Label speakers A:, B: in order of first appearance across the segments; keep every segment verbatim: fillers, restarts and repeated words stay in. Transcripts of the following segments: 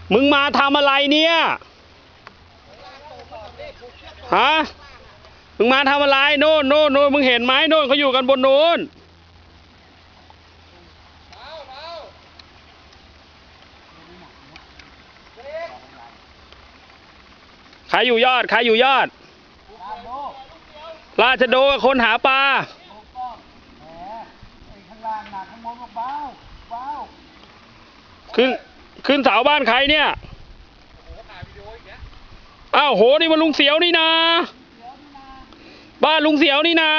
A: มึงมาทำอะไรเนี่ยฮะมึงมาทำอะไรโน่นโน่นโน่นมึงเห็นไหมโน่นเขาอยู่กันบนโน้นใครอยู่ยอดใครอยู่ยอดราชโดคนหาปลาขึ้นขึ้นเสาบ้านใครเนี่ยอ้าวโหนี่มันลุงเสียวนี่นาบ้านลุงเสียวนี่นา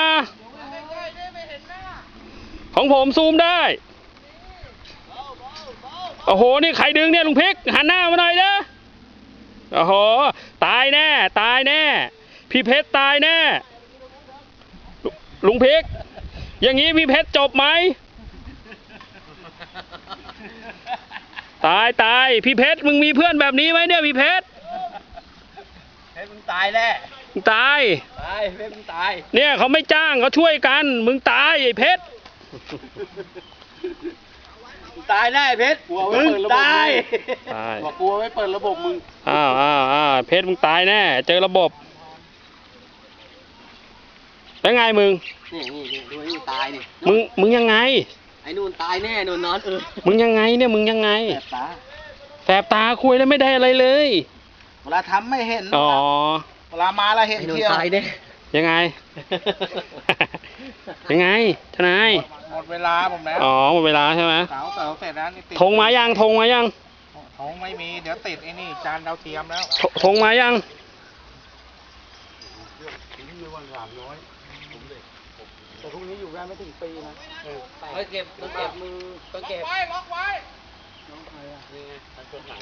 A: ของผมซูมได้โอ้โหนี่ใครดึงเนี่ยลุงเพชรหันหน้ามาหน่อยนะโอ้โหตายแน่ตายแน่พี่เพชรตายแน่ลุงเพชรอย่างนี้พี่เพชรจบไหมตายตายพี่เพชรมึงมีเพื่อนแบบนี้ไหมเนี่ยพี่เพชร
B: เพชรมึงตายแน่
A: มึงตาย
B: ตายเพชรมึงตาย
A: เนี่ยเขาไม่จ้างเขาช่วยกันมึงตายไอ้เพชร
B: ตายแน่เพชรมึงตายบอกกลัวไม่เปิดระบบมึง
A: อ้าวอ้าวอ้าวเพชรมึงตายแน่เจอระบบแล้วไงมึง
B: นี่นี่ดูนี่ตายดิ
A: มึงมึงยังไง
B: ไอ้นู่นตายแน่นู่นนอนเออ
A: มึงยังไงเนี่ยมึงยังไง
B: แสบตา
A: แสบตาคุยแล้วไม่ได้อะไรเลย
B: เวลาทำไม่เห็น
A: อ๋อ
B: เวลามาแล้วเห็นเที่ยวตายแน่
A: ยังไงยังไงทนาย
B: หมดเวลาผมแล้ว
A: อ๋อหมดเวลาใช่ไหม
B: เสาเสาเสร็จแล้วนี่ติด
A: ธงมายังธงมายัง
B: ธงไม่มีเดี๋ยวติดไอ้นี่จานดาวเทียมแล้ว
A: ธงมายัง
B: แต่พรุ่งนี้อยู่ได้ไม่ถึงปีนะเออเก็บต้องเก็บมือต้องเก็บล็อกไว้ล็อกไว้น้องใครอ่ะนี่ไงตัดต้นหลัง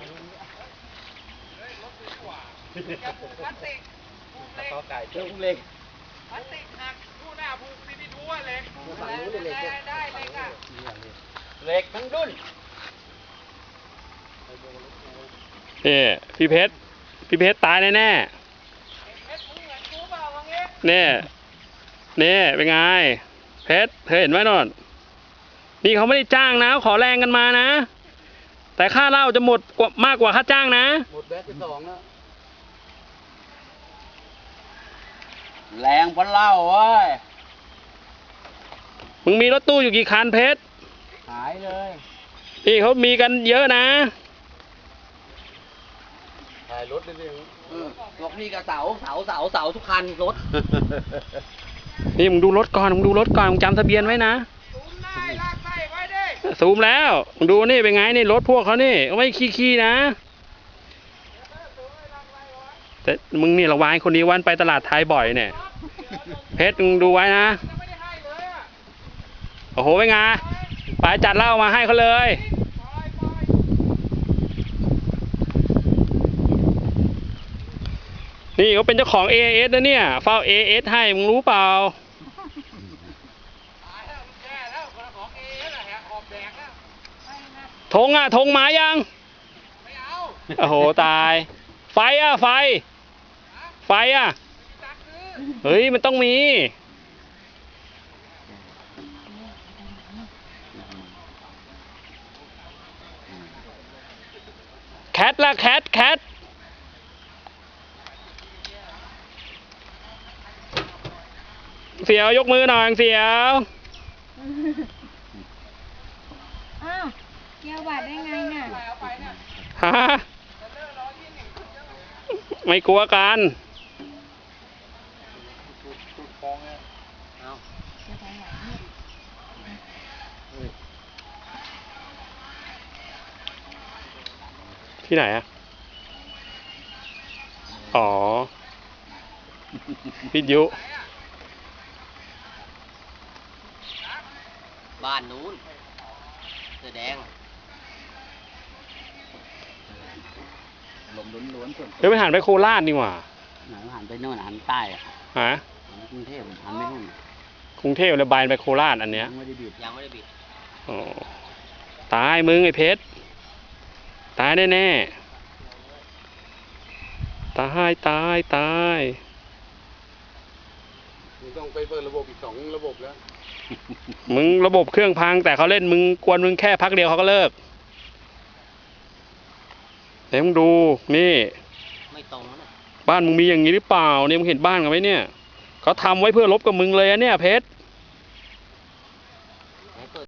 B: พลาสติกต่อไก่เจ้าเล็กพลาสติกหักผู้หน้าผูกซีพีทูเหล็กได้เหล็กอ่ะเหล็กทั้งดุน
A: นี่พี่เพชรพี่เพชรตายแน่แน่เนี่ยนี่เป็นไงเพชรเธอเห็นไหมนนนี่เขาไม่ได้จ้างนะขอแรงกันมานะแต่ค่าเหล้าจะหมดกว่ามากกว่าค่าจ้างนะ
B: หมดแบตที่สองแล้วแรงเพราะเหล้าเว้ย
A: มึงมีรถตู้อยู่กี่คันเพชร
B: หายเลย
A: นี่เขามีกันเยอะนะ
B: ถ่ายรถได้เลยรถนี่กับเสาเสาเสาเสาทุกคันรถ
A: นี่มึงดูรถก่อนมึงดูรถก่อนมึงจำทะเบียนไว้นะซูมได้ลากไส้ไว้ดิซูมแล้วมึงดูนี่เป็นไงนี่รถพวกเขานี่ไม่ขี้ขี้นะแต่มึงนี่ระวังคนนี้วันไปตลาดไทยบ่อยเนี่ยเพชรมึงดูไว้นะโอ้โหเป็นไงไปจัดเหล้ามาให้เขาเลยนี่เขาเป็นเจ้าของ เอ เอส นะเนี่ยเฝ้า เอ เอส ให้มึงรู้เปล่าธงอ่ะธงมายังไม่เอาโอ้โหตายไฟอ่ะไฟไฟอ่ะเฮ้ยมันต้องมีแคทละแคทแคทเสียวยกมือหน่อยเสียว
C: อ้าวเกี่ยวบาดได้ไงเนี่ย
A: ฮะไม่กลัวกันที่ไหนอ่ะอ๋อวิทยุ
B: บ้านนู้นเสื้อแดงลมล้วนๆส่วน
A: เดี๋ยวไปหันไปโคราชดีกว่า
B: หันไปโน่นหันใต้อะ
A: ฮะ
B: กรุงเทพหันไม่นู่น
A: กรุงเทพเลยบายไปโคราชอันเนี้ย
B: ยังไม่ได้บิดยังไม่ได้บิด
A: อ๋อตายมึงไอ้เพชรตายแน่แน่ตายตายตาย
B: มึงต้องไปเปิดระบบอีกสองระบบแล้ว
A: มึงระบบเครื่องพังแต่เขาเล่นมึงกวนมึงแค่พักเดียวเขาก็เลิกไหนมึงดูนี่
B: ไม่ตรงนะ
A: บ้านมึงมีอย่างนี้หรือเปล่าเนี่ยมึงเห็นบ้านกันไหมเนี่ยเขาทำไว้เพื่อลบกับมึงเลยอะเนี่ยเพชร